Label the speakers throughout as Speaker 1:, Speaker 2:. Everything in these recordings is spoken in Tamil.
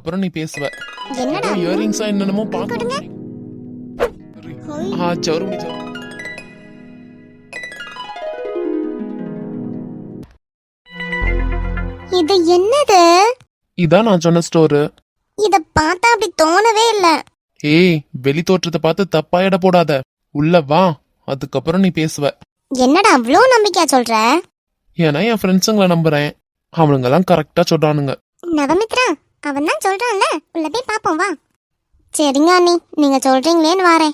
Speaker 1: அதுக்கப்புறம் நீ பேசுவ.
Speaker 2: என்னடா
Speaker 1: இயரிங்ஸா என்னென்னமோ
Speaker 2: கொடுங்க.
Speaker 1: பாக்கணும். சௌரமுடி
Speaker 2: இது என்னது?
Speaker 1: இதான் நான் சொன்ன ஸ்டோரு.
Speaker 2: இத பார்த்தா அப்படி தோணவே இல்ல.
Speaker 1: ஏய், வெளி தோற்றத்தை பார்த்து தப்பா எடை போடாத. உள்ள வா, அதுக்கப்புறம் நீ பேசுவ.
Speaker 2: என்னடா அவ்வளோ நம்பிக்கையா சொல்ற?
Speaker 1: ஏன்னா என் ஃப்ரெண்ட்ஸுங்களை நம்புறேன். அவனுங்க எல்லாம் கரெக்டா சொல்றானுங்க.
Speaker 2: நவமித்ரா, அவன் தான் சொல்றான்ல, உள்ள போய் பாப்போம் வா. சரிங்க அண்ணி, நீங்க சொல்றீங்களேன்னு வாரேன்.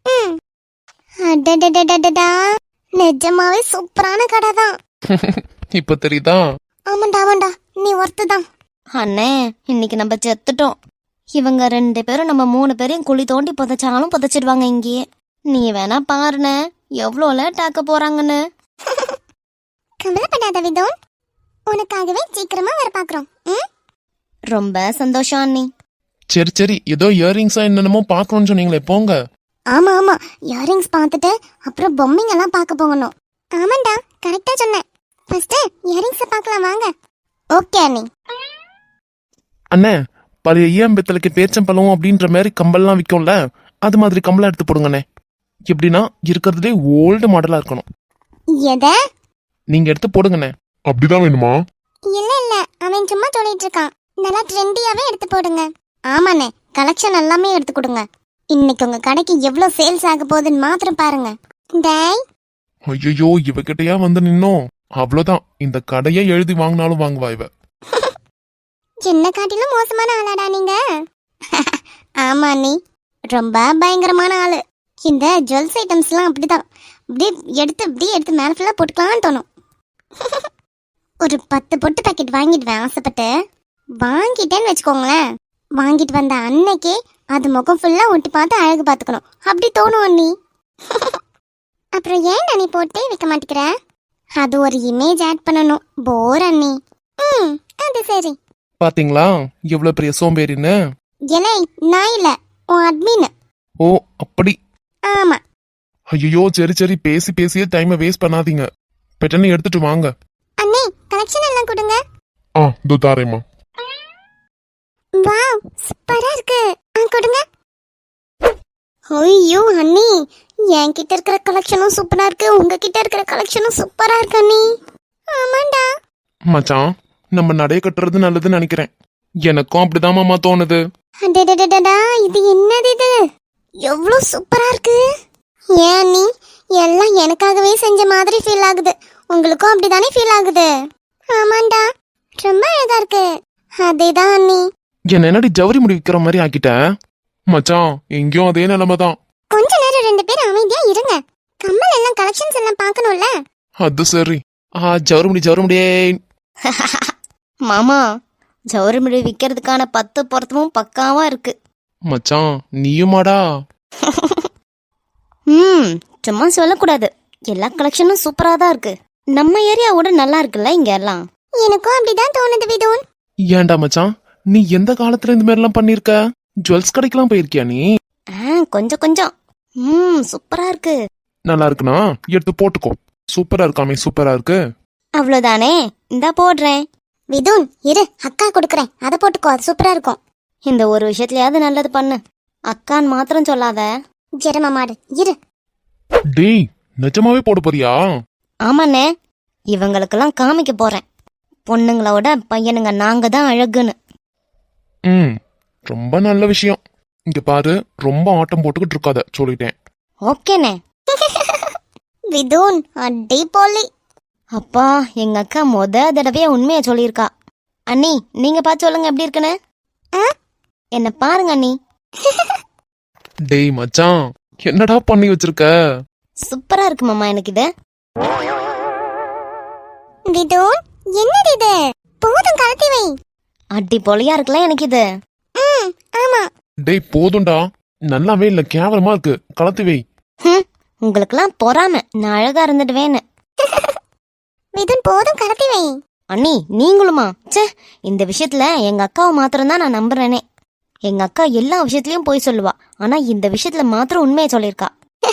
Speaker 2: அடடடடடடா, நிஜமாவே சூப்பரான கடை தான்.
Speaker 1: இப்ப தெரியுதா?
Speaker 2: ஆமாண்டா, நீ ஒருத்துதான்.
Speaker 3: அண்ணே, இன்னைக்கு நம்ம செத்துட்டோம். இவங்க 2 பேரும் நம்ம 3 பேரையும் குழி தோண்டி புதைச்சாலும் புதைச்சிடுவாங்க இங்கேயே. நீ வேணா பாருண்ணே, எவ்வளோ லேட் ஆக்க போறாங்கன்னு.
Speaker 2: கவலைப்படாத விதோன், உனக்காகவே சீக்கிரமா வர பாக்குறோம்.
Speaker 3: ரொம்ப சந்தோஷம் அண்ணி.
Speaker 1: சரி, ஏதோ இயரிங்ஸா என்னென்னமோ பாக்கணும்னு சொன்னீங்களே, போங்க.
Speaker 2: ஆமா, இயரிங்ஸ் பார்த்துட்டு அப்புறம் பொம்மைங்க எல்லாம் பார்க்க போகணும். ஆமாண்டா, கரெக்டா சொன்னேன். ஃபர்ஸ்ட் இயரிங்ஸ் பார்க்கலாம் வாங்க. ஓகே அண்ணி.
Speaker 1: அண்ணே, பழைய ஈயம்பெத்தலுக்கு பேச்சம்பழம் அப்படின்ற மாதிரி கம்பல்லாம் விற்கும்ல, அது மாதிரி கம்பளம் எடுத்து போடுங்கண்ணே. எப்படின்னா இருக்கிறதுலே ஓல்டு மாடலா இருக்கணும்.
Speaker 2: எத?
Speaker 1: நீங்க எடுத்து போடுங்கண்ணே. அப்படிதான் வேணுமா?
Speaker 2: இல்ல, அவன் சும்மா சொல்லிட்டு இருக்கான். நல்லா ட்ரெண்டியாவே எடுத்து போடுங்க. ஆமாண்ணே, கலெக்ஷன் எல்லாமே எடுத்து கொடுங்க. இன்னைக்கு உங்க கடைக்கு எவ்வளவு சேல்ஸ் ஆக போகுதுன்னு மாத்திரம் பாருங்க. டேய்,
Speaker 1: ஐயோ, இவகிட்டயா வந்து நின்னோம். அவ்வளவுதான், இந்த கடையை எழுதி வாங்கினாலும் வாங்குவா இவ.
Speaker 2: என்ன காட்டிலும் மோசமான ஆளாடா நீங்க. ஆமா நீ ரொம்ப பயங்கரமான ஆளு. இந்த ஜுவல்ஸ் ஐட்டம்ஸ் எல்லாம் அப்படிதான், அப்படியே எடுத்து மேல ஃபுல்லா போட்டுக்கலாம்னு தோணும். ஒரு 10 பொட்டு பாக்கெட் வாங்கிடுவேன் ஆசைப்பட்டு. வாங்கிட்டேன்னு வச்சுக்கோங்களேன், வாங்கிட்டு வந்த அன்னைக்கே அது முகம் ஃபுல்லா ஒட்டி பார்த்து அழகு பார்த்துக்கணும் அப்படி தோணும் அண்ணி. அப்புறம் ஏன் நீ போட்டே வைக்க மாட்டேங்கிற? அது ஒரு இமேஜ் ஆட் பண்ணணும். போர் அண்ணி. அது சரி.
Speaker 1: பாத்தீங்களா எவ்வளவு பெரிய சோம்பேறின்னு?
Speaker 2: ஏலே, நான் இல்ல, உன் அட்மின்.
Speaker 1: ஓ, அப்படி.
Speaker 2: ஆமா.
Speaker 1: ஐயோ, சரி, பேசியே டைமை வேஸ்ட் பண்ணாதீங்க. பெட்டனை எடுத்துட்டு வாங்க.
Speaker 2: அண்ணே, கலெக்ஷன் எல்லாம் கொடுங்க.
Speaker 1: இதோ தாரேம்மா.
Speaker 2: வாவ், சூப்பரா இருக்கு. கொடுங்க. ஐயோ அண்ணி, என்கிட்ட இருக்கிற கலெக்ஷனும் சூப்பரா இருக்கு, உங்ககிட்ட இருக்கிற கலெக்ஷனும் சூப்பரா இருக்கு அண்ணி. ஆமாண்டா
Speaker 1: மச்சான், நம்ம நடைய கட்டுறது நல்லதுன்னு நினைக்கிறேன். எனக்கும் அப்படிதான் மாமா தோணுது.
Speaker 2: அடடடடடா, இது என்னது இது? எவ்வளவு சூப்பரா இருக்கு. ஏன் அண்ணி, எல்லாம் எனக்காகவே செஞ்ச மாதிரி ஃபீல் ஆகுது. உங்களுக்கும் அப்படிதானே ஃபீல் ஆகுது? ஆமாண்டா, ரொம்ப அழகா இருக்கு. அதேதான் அண்ணி.
Speaker 1: என்ன என்னடி ஜவுரி முடி விக்கிற மாதிரி ஆக்கிட்ட? மச்சான், எங்கேயும் அதே நிலைமைதான்.
Speaker 2: கொஞ்ச நேரம் 2 பேரும் அமைதியா இருங்க. கம்மல் எல்லாம் கலெக்ஷன்ஸ் எல்லாம் பார்க்கணும்ல.
Speaker 1: அது சரி. ஜவுரி முடியே.
Speaker 3: மாமா, ஜவுரிமுடி விற்கிறதுக்கான 10 பொருத்தமும் பக்காவா இருக்கு.
Speaker 1: மச்சான், நீயுமாடா?
Speaker 3: சும்மா சொல்லக்கூடாது. எல்லா கலெக்ஷனும் சூப்பரா தான் இருக்கு. நம்ம ஏரியாவோட நல்லா இருக்குல்ல இங்க எல்லாம்.
Speaker 2: எனக்கும் அப்படிதான் தோணுது விதோன்.
Speaker 1: ஏன்டா மச்சான், நீ எந்த காலத்துல இந்த மாதிரி எல்லாம் பண்ணிருக்க? ஜுவல்ஸ் கடைக்கெல்லாம் போயிருக்கியா நீ?
Speaker 3: கொஞ்சம். சூப்பரா இருக்கு.
Speaker 1: நல்லா இருக்குனா எடுத்து போட்டுக்கோ. சூப்பரா இருக்காமே, சூப்பரா இருக்கு.
Speaker 3: அவ்வளவுதானே, இந்தா போடுறேன்.
Speaker 2: விதோன் இரு, அக்கா கொடுக்கறேன், அதை போட்டுக்கோ, அது சூப்பரா இருக்கும்.
Speaker 3: இந்த ஒரு விஷயத்துலயாவது நல்லது பண்ணு. அக்கான்னு மாத்திரம் சொல்லாத.
Speaker 2: ஜெரமா மாடு இரு.
Speaker 1: டேய், நிஜமாவே போட போறியா?
Speaker 3: ஆமாண்ணே, இவங்களுக்கெல்லாம் காமிக்க போறேன். பொண்ணுங்களோட பையனுங்க நாங்க தான் அழகுன்னு.
Speaker 1: ரொம்ப நல்ல விஷயம். இங்க பாரு, ரொம்ப ஆட்டம் போட்டுக்கிட்டு இருக்காத, சொல்லிட்டேன்.
Speaker 3: ஓகேண்ணே.
Speaker 2: விதோன் அடி போலி.
Speaker 3: அப்பா, எங்க அக்கா தடவையா உண்மையா சொல்லியிருக்கா. அண்ணி, நீங்க பார்த்து சொல்லுங்க எப்படி இருக்குன்னு. என்ன பாருங்க அண்ணி.
Speaker 1: டேய் மச்சான், என்னடா பண்ணி வச்சிருக்க?
Speaker 3: சூப்பரா இருக்கு மாமா எனக்கு இது.
Speaker 2: விதோன், என்னது இது? போதும், கலத்தி வை.
Speaker 3: அடி பொலியா இருக்குல்ல எனக்கு இது.
Speaker 2: ஆமா.
Speaker 1: டேய் போதும்டா, நல்லாவே இல்ல, கேவலமா இருக்கு, கலத்தி வை.
Speaker 3: உங்களுக்கெல்லாம் பொறாம நான் அழகா இருந்துடுவேன்னு.
Speaker 2: விதோன் போதும், கலத்தி வை.
Speaker 3: அண்ணி நீங்களுமா? ச்சே, இந்த விஷயத்துல எங்க அக்காவை மாத்திரம் தான் நான் நம்புறேனே. எங்க அக்கா எல்லா விஷயத்திலயும் போய் சொல்லுவா, ஆனா இந்த விஷயத்துல மாத்திரம் உண்மையை சொல்லிருக்கா.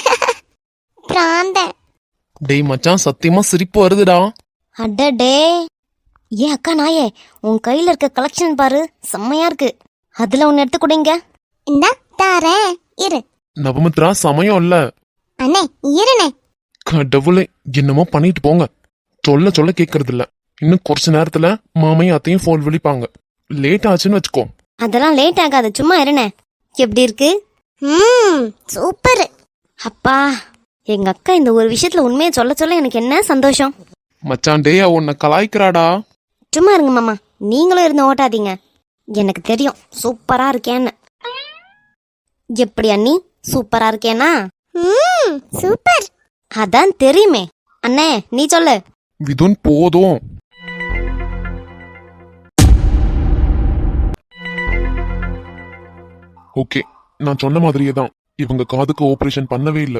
Speaker 1: டேய் மச்சான், சத்தியமா சிரிப்பு வருதுடா.
Speaker 3: அடடே, ஏ அக்கா நாயே, உன் கையில இருக்க கலெக்ஷன் பாரு, செம்மையா இருக்கு. அதுல ஒன்னு எடுத்து கொடுங்க.
Speaker 2: இந்தா தாரேன், இரு.
Speaker 1: நவமித்ரா சமயம் இல்ல.
Speaker 2: அண்ணே இருண்ணே.
Speaker 1: கடவுளே, என்னமோ பண்ணிட்டு போங்க. சொல்ல சொல்ல கேக்குறது இல்ல. இன்னும் கொஞ்ச நேரத்துல மாமையும் அத்தையும் போன் விழிப்பாங்க. லேட் ஆச்சுன்னு வச்சுக்கோ.
Speaker 3: அதெல்லாம் லேட் ஆகாது, சும்மா இருண்ணே. எப்படி இருக்கு?
Speaker 2: சூப்பர்.
Speaker 3: அப்பா, எங்க அக்கா இந்த ஒரு விஷயத்துல உண்மையை சொல்ல சொல்ல எனக்கு என்ன சந்தோஷம்.
Speaker 1: மச்சான் டேய், உன்னை கலாய்க்கிறாடா.
Speaker 3: சும்மா இருங்க மாமா, நீங்களும் இருந்து ஓட்டாதீங்க. எனக்கு தெரியும் சூப்பரா இருக்கேன்னு. எப்படி அண்ணி, சூப்பரா இருக்கேனா?
Speaker 2: சூப்பர்.
Speaker 3: அதான் தெரியுமே. அண்ணே நீ சொல்லு.
Speaker 1: விதுன் போதும். ஓகே, நான் சொன்ன மாதிரியே தான். இவங்க காதுக்கு ஆபரேஷன் பண்ணவே இல்ல.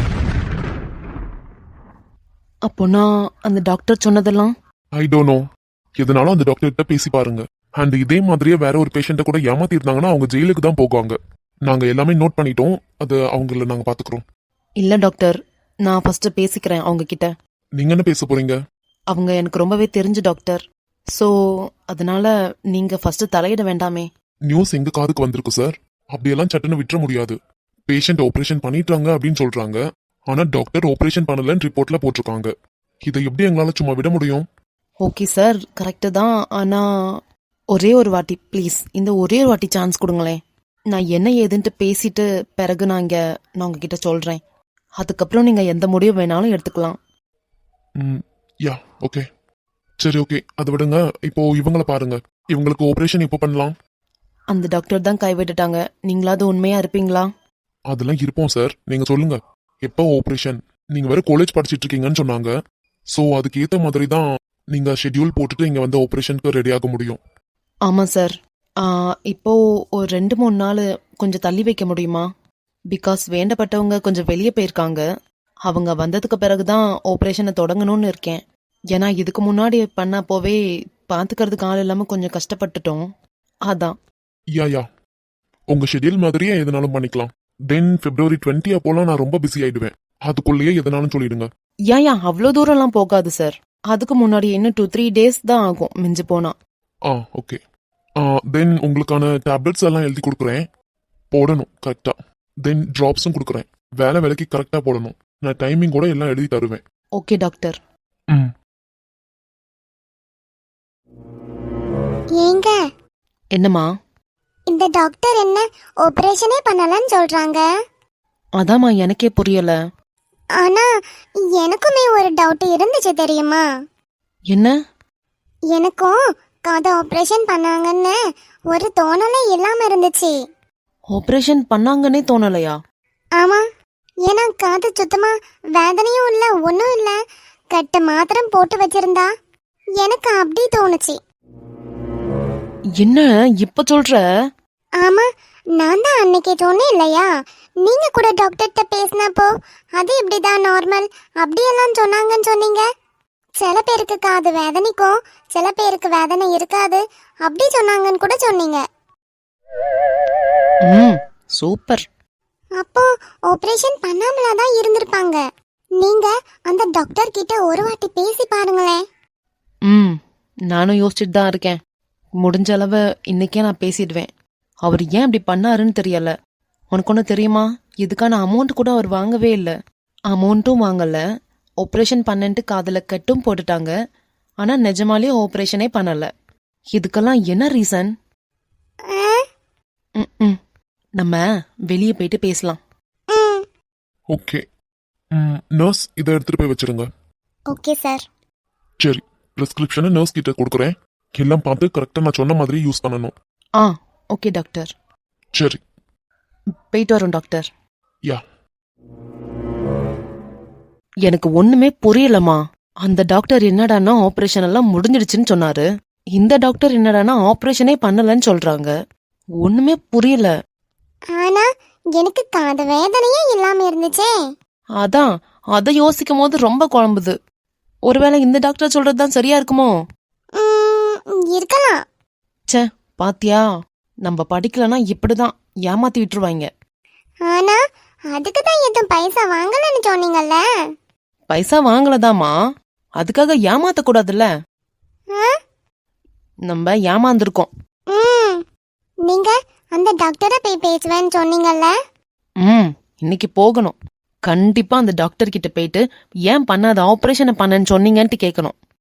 Speaker 4: அப்போனா அந்த டாக்டர் சொன்னதெல்லாம்
Speaker 1: ஐ டோன்ட் நோ. எதனாலும் அந்த டாக்டர் கிட்ட பேசி பாருங்க. அண்ட் இதே மாதிரியே வேற ஒரு பேஷண்ட்டை கூட ஏமாத்தி இருந்தாங்கன்னா அவங்க ஜெயிலுக்கு தான் போவாங்க. நாங்க எல்லாமே நோட் பண்ணிட்டோம். அது அவங்கள நாங்க பாத்துக்கிறோம்.
Speaker 4: இல்ல டாக்டர், நான் ஃபர்ஸ்ட் பேசிக்கிறேன் அவங்க கிட்ட.
Speaker 1: நீங்க என்ன பேச போறீங்க?
Speaker 4: அவங்க எனக்கு ரொம்பவே தெரிஞ்ச டாக்டர். சோ அதனால நீங்க ஃபர்ஸ்ட் தலையிட வேண்டாமே.
Speaker 1: நியூஸ் எங்க காதுக்கு வந்திருக்கு சார். அப்படியெல்லாம் சட்டுன்னு விட்டுற முடியாது. பேஷண்ட் ஆபரேஷன் பண்ணிட்டாங்க அப்படின்னு சொல்றாங்க. ஆனா டாக்டர் ஆபரேஷன் பண்ணலன்னு ரிப்போர்ட்ல போட்டிருக்காங்க. இதை எப்படி எங்களால சும்மா விட முடியும்?
Speaker 4: ஓகே சார், கரெக்டு தான். ஆனா ஒரே ஒரு வாட்டி ப்ளீஸ், இந்த ஒரே ஒரு வாட்டி சான்ஸ் கொடுங்களேன். நான் என்ன ஏதுன்ட்டு பேசிட்டு பிறகு நான் உங்ககிட்ட சொல்றேன். அதுக்கப்புறம் நீங்க எந்த முடிவு வேணாலும் எடுத்துக்கலாம்.
Speaker 1: யா ஓகே, சரி ஓகே, அதை விடுங்க. இப்போ இவங்கள பாருங்க. இவங்களுக்கு ஆபரேஷன் இப்போ பண்ணலாம்.
Speaker 4: அந்த டாக்டர் தான் கைவிட்டுட்டாங்க. நீங்களாவது உண்மையா இருப்பீங்களா?
Speaker 1: அதெல்லாம் இருப்போம் சார். நீங்க சொல்லுங்க, எப்போ ஆபரேஷன்? நீங்க வேற காலேஜ் படிச்சிட்டு இருக்கீங்கன்னு சொன்னாங்க. ஸோ அதுக்கு ஏற்ற மாதிரி தான் நீங்க ஷெட்யூல் போட்டுட்டு இங்க வந்து ஆபரேஷனுக்கு ரெடி ஆக முடியும்.
Speaker 4: ஆமா சார். இப்போ ஒரு 2-3 நாள் கொஞ்சம் தள்ளி வைக்க முடியுமா? பிகாஸ் வேண்டப்பட்டவங்க கொஞ்சம் வெளியே போயிருக்காங்க. அவங்க வந்ததுக்கு பிறகுதான் ஆபரேஷனை தொடங்கணும்னு இருக்கேன். ஏன்னா இதுக்கு முன்னாடி பண்ணப்போவே பார்த்துக்கிறதுக்கு ஆள் இல்லாம கொஞ்சம் கஷ்டப்பட்டுட்டோம். அதான்.
Speaker 1: யா உங்க ஷெட்யூல் மாதிரியே எதனாலும் பண்ணிக்கலாம். தென் February 20 அப்போலாம் நான் ரொம்ப பிஸி ஆயிடுவேன். அதுக்குள்ளேயே எதனாலும் சொல்லிடுங்க.
Speaker 4: யா அவ்வளோ தூரம்லாம் போகாது சார். அதுக்கு முன்னாடி இன்னும் 2-3 டேஸ் தான் ஆகும் மிஞ்சு போனா.
Speaker 1: ஓகே. தென் உங்களுக்கான டேப்லெட்ஸ் எல்லாம் எழுதி கொடுக்குறேன். போடணும் கரெக்டா. தென் ட்ராப்ஸும் கொடுக்குறேன். வேலைக்கு கரெக்டா போடணும். நான் டைமிங் கூட எல்லாம் எழுதி தருவேன்.
Speaker 4: Okay doctor.
Speaker 2: ஏங்க
Speaker 4: என்னம்மா?
Speaker 2: இந்த டாக்டர் என்ன ஆபரேஷனே பண்ணலன்னு சொல்றாங்க?
Speaker 4: அதாம்மா எனக்கே புரியல.
Speaker 2: ஆனா எனக்குமே ஒரு டவுட் இருந்துச்சு தெரியுமா?
Speaker 4: என்ன?
Speaker 2: எனக்கும் காது ஆபரேஷன் பண்ணாங்கன்னு ஒரு தோணலே இல்லாம இருந்துச்சு.
Speaker 4: ஆபரேஷன் பண்ணாங்கன்னே தோணலையா?
Speaker 2: ஆமா, ஏன்னா காது சுத்தமா வேதனையும் இல்ல, ஒன்னும் இல்ல, கட்டு மாத்திரம் போட்டு வச்சிருந்தா எனக்கு அப்படி தோணுச்சு.
Speaker 4: என்ன இப்ப சொல்ற?
Speaker 2: ஆமா, நான் தான் அன்னைக்கு சொன்னேன் இல்லையா, நீங்க கூட டாக்டர்கிட்ட பேசினப்போ அது இப்படிதான் நார்மல் அப்படியெல்லாம் சொன்னாங்கன்னு சொன்னீங்க. சில பேருக்கு காது வேதனைக்கும் சில பேருக்கு வேதனை இருக்காது அப்படி சொன்னாங்கன்னு கூட சொன்னீங்க.
Speaker 4: சூப்பர்.
Speaker 2: அப்போ ஆபரேஷன் பண்ணாமலாதான் இருந்திருப்பாங்க. நீங்க அந்த டாக்டர் கிட்ட ஒரு வாட்டி பேசி பாருங்களேன்.
Speaker 4: நானும் யோசிச்சுட்டு தான் இருக்கேன். முடிஞ்ச அளவு இன்னைக்கே நான் பேசிடுவேன். அவர் ஏன் இப்படி பண்ணாருன்னு தெரியல. உனக்கு ஒன்று தெரியுமா? இதுக்கான அமௌண்ட் கூட அவர் வாங்கவே இல்லை. அமௌண்ட்டும் வாங்கல, ஆப்ரேஷன் பண்ணன்ட்டு காதுல கட்டும் போட்டுட்டாங்க. ஆனா நிஜமாலே ஆப்ரேஷனே பண்ணல. இதுக்கெல்லாம் என்ன ரீசன்? நம்ம வெளியே போயிட்டு பேசலாம்.
Speaker 1: ஓகே நர்ஸ், இதை எடுத்துட்டு போய் வச்சிருங்க.
Speaker 2: Okay sir.
Speaker 1: சரி, பிரிஸ்கிரிப்ஷனை நர்ஸ் கிட்ட கொடுக்குறேன். எல்லாம் பார்த்து கரெக்டா நான் சொன்ன மாதிரி யூஸ் பண்ணணும்.
Speaker 4: Okay doctor.
Speaker 1: சரி,
Speaker 4: போயிட்டு வரோம் டாக்டர்.
Speaker 1: யா.
Speaker 4: எனக்கு ஒண்ணுமே புரியலமா. அந்த டாக்டர் என்னடானா ஆபரேஷன் எல்லாம் முடிஞ்சிடுச்சுன்னு சொன்னாரு. இந்த டாக்டர் என்னடானா ஆபரேஷனே பண்ணலன்னு சொல்றாங்க. ஒண்ணுமே புரியல.
Speaker 2: ஆனா எனக்கு காது வேதனையே இல்லாம இருந்துச்சே.
Speaker 4: அதான் அதை யோசிக்கும் போது ரொம்ப குழம்புது. ஒருவேளை இந்த டாக்டர் சொல்றதுதான் சரியா இருக்குமோ?
Speaker 2: இருக்கலாம்.
Speaker 4: ச்சே, பாத்தியா, நம்ம படிக்கலனா இப்படிதான் ஏமாத்தி விட்டுருவாங்க.
Speaker 2: ஆனா அதுக்கு தான் எதுவும் பைசா வாங்கலன்னு சொன்னீங்கல்ல.
Speaker 4: பைசா வாங்கலதாமா, அதுக்காக ஏமாத்த கூடாதுல்ல. நம்ம ஏமாந்துருக்கோம்.
Speaker 2: நீங்க அந்த டாக்டரை போய் பேசுவேன்னு சொன்னீங்கல்ல?
Speaker 4: ம் இன்னைக்கு போகணும். கண்டிப்பா அந்த டாக்டர் கிட்ட போயிட்டு ஏன் பண்ணாத ஆபரேஷனை பண்ணன்னு சொன்னீங்கன்ட்டு கேட்கணும்.